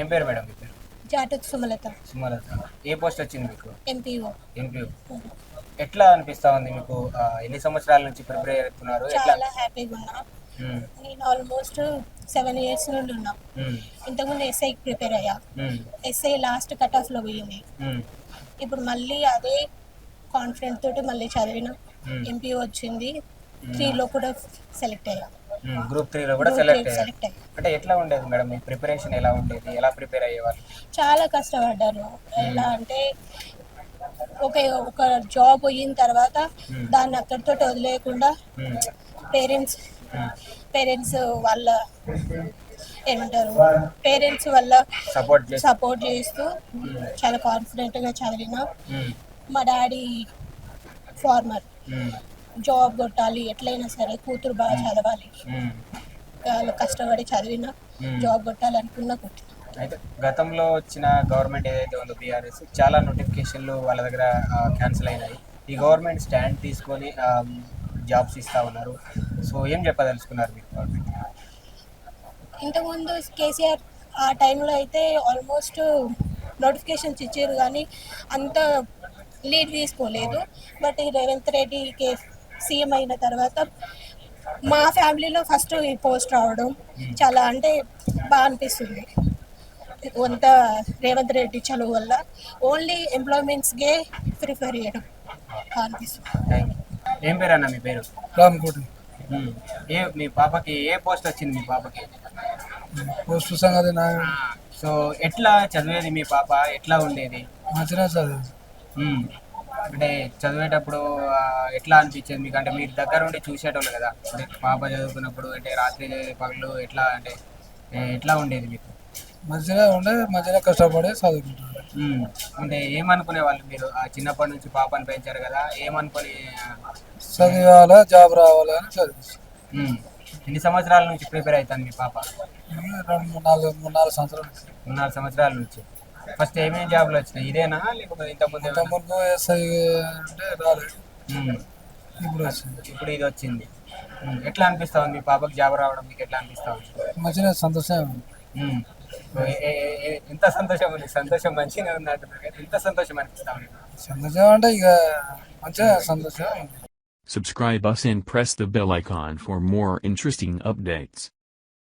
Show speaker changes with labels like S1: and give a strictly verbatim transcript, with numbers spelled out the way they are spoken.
S1: ఏం పేరు మేడం మీ పేరు?
S2: జాటత్ సుమలత.
S1: సుమలత. ఏ పోస్ట్ వచ్చింది మీకు?
S2: ఎంపీఓ.
S1: ఎంపీఓ. ఎట్లా అనిపిస్తా ఉంది మీకు? ఆ, ఎన్ని సంవత్సరాల నుంచి ప్రిపేర్ అవుతున్నారు? ఎట్లా?
S2: చాలా హ్యాపీగా ఉన్నా.
S1: మ్మ్.
S2: నేను ఆల్మోస్ట్ సెవెన్ ఇయర్స్ నుండి ఉన్నా.
S1: మ్మ్.
S2: ఇంతకుముందు ఎస్ఐకి ప్రిపేర్ అయ్యా.
S1: మ్మ్.
S2: ఎస్ఐ లాస్ట్ కట్ ఆఫ్లో పోయింది.
S1: మ్మ్.
S2: ఇప్పుడు మళ్ళీ అదే కాన్ఫిడెంట్ తోటి మళ్ళీ చదివిన.
S1: మ్మ్.
S2: ఎంపీఓ వచ్చింది. త్రీలో కూడా సెలెక్ట్ అయ్యా.
S1: మ్మ్. గ్రూప్ త్రీలో కూడా
S2: Group
S1: సెలెక్ట్
S2: three
S1: అయ్యారు.
S2: సెలెక్ట్ అయ్యా.
S1: అంటే ఎట్లా ఉండేది మేడం మీ ప్రిపరేషన్? ఎలా ఉండేది? ఎలా ప్రిపేర్ అయ్యేవాళ్ళు?
S2: చాలా కష్టపడ్డాను. ఎలా అంటే ఒక ఒక జాబ్ పోయిన తర్వాత
S1: మ్మ్.
S2: దాన్ని అక్కడితో వదిలేయకుండా
S1: మ్మ్.
S2: పేరెంట్స్
S1: మ్మ్.
S2: పేరెంట్స్ వాళ్ళ ఏమంటారు పేరెంట్స్ వల్ల
S1: సపోర్ట్ చేసి.
S2: సపోర్ట్ చేస్తూ చాలా కాన్ఫిడెంట్గా చదివిన.
S1: మ్మ్.
S2: మా డాడీ ఫార్మర్,
S1: మ్మ్.
S2: జాబ్ కొట్టాలి ఎట్లయినా సరే, కూతురు బాగా చదవాలి,
S1: మ్మ్.
S2: వాళ్ళు కష్టపడి చదివిన,
S1: మ్మ్.
S2: జాబ్ కొట్టాలనుకున్నా కొట్టిన.
S1: అయితే గతంలో వచ్చిన గవర్నమెంట్ ఏదైతే ఉందో బీఆర్ఎస్, చాలా నోటిఫికేషన్లు వాళ్ళ దగ్గర క్యాన్సిల్ అయినాయి. ఈ గవర్నమెంట్ స్టాండ్ తీసుకొని జాబ్స్ ఇస్తా ఉన్నారు. సో ఏం చెప్పదలుచుకున్నారు మీరు గవర్నమెంట్?
S2: ఇంతకుముందు కేసీఆర్ ఆ టైంలో అయితే ఆల్మోస్ట్ నోటిఫికేషన్స్ ఇచ్చారు కానీ అంత లీడ్ తీసుకోలేదు. బట్ ఈ రేవంత్ రెడ్డి కే సీఎం అయిన తర్వాత మా ఫ్యామిలీలో ఫస్ట్ ఈ పోస్ట్ రావడం చాలా అంటే బాగా అనిపిస్తుంది. కొంత రేవంత్ రెడ్డి చదువు వల్ల ఓన్లీ ఎంప్లాయ్మెంట్స్కే ప్రిఫర్ చేయడం బాగా అనిపిస్తుంది.
S1: Thank you. ఏం పేరు అన్న మీ పేరు?
S3: రామ్కోటి.
S1: మ్మ్. ఏ మీ పాపకి ఏ పోస్ట్ వచ్చింది? మీ పాపకి
S3: పోస్ట్ సంగతి నా
S1: సో ఎట్లా చదివేది మీ పాప? ఎట్లా ఉండేది?
S3: మంచిగా చదివి
S1: మ్మ్. అంటే చదివేటప్పుడు ఆ, ఎట్లా అనిపించేది మీకు? అంటే మీరు దగ్గర ఉండి చూసేటోళ్ళు కదా, అంటే పాప చదువుకున్నప్పుడు అంటే రాత్రి పగలు ఎట్లా అంటే ఏ, ఎట్లా ఉండేది మీకు?
S3: మంచిగా ఉండే మంచిగా కష్టపడి చదువుకుంటాడు.
S1: మ్మ్. అంటే ఏమనుకునే వాళ్ళు మీరు? ఆ చిన్నప్పటి నుంచి పాపని పెంచారు కదా, ఏమనుకొని?
S3: చదివాలా జాబ్ రావాలా అని చదివి
S1: మ్మ్. ఎన్ని సంవత్సరాల నుంచి ప్రిపేర్ అవుతాను మీ పాప?
S3: రెండు మూడు నాలుగు మూడు నాలుగు సంవత్సరాలు.
S1: మూడు నాలుగు సంవత్సరాల నుంచి. ఫస్ట్ ఏమేమి జాబ్లు వచ్చినాయి? ఇదేనా లేకపోతే ఇంతకుముందు
S3: ఇంత
S1: ఏమైనా?
S3: ముందు ఎస్ఐ అంటే రాలేదు,
S1: మ్మ్.
S3: ఇప్పుడు వచ్చింది.
S1: ఇప్పుడు ఇది వచ్చింది. మ్మ్. ఎట్లా అనిపిస్తా ఉంది మీ పాపకి జాబ్ రావడం? మీకు ఎట్లా అనిపిస్తా ఉంది?
S3: మంచిగా సంతోషం ఉంది.
S1: మ్మ్. ఏ- ఏ- ఏ- ఎంత సంతోషం ఉంది? సంతోషం మంచిగా ఉంది అంటున్నారు కదా, ఎంత సంతోషం అనిపిస్తా ఉంది?
S3: సంతోషం అంటే ఇక మంచిగా సంతోషం ఉంది.
S4: Subscribe us and press the bell icon for more interesting updates.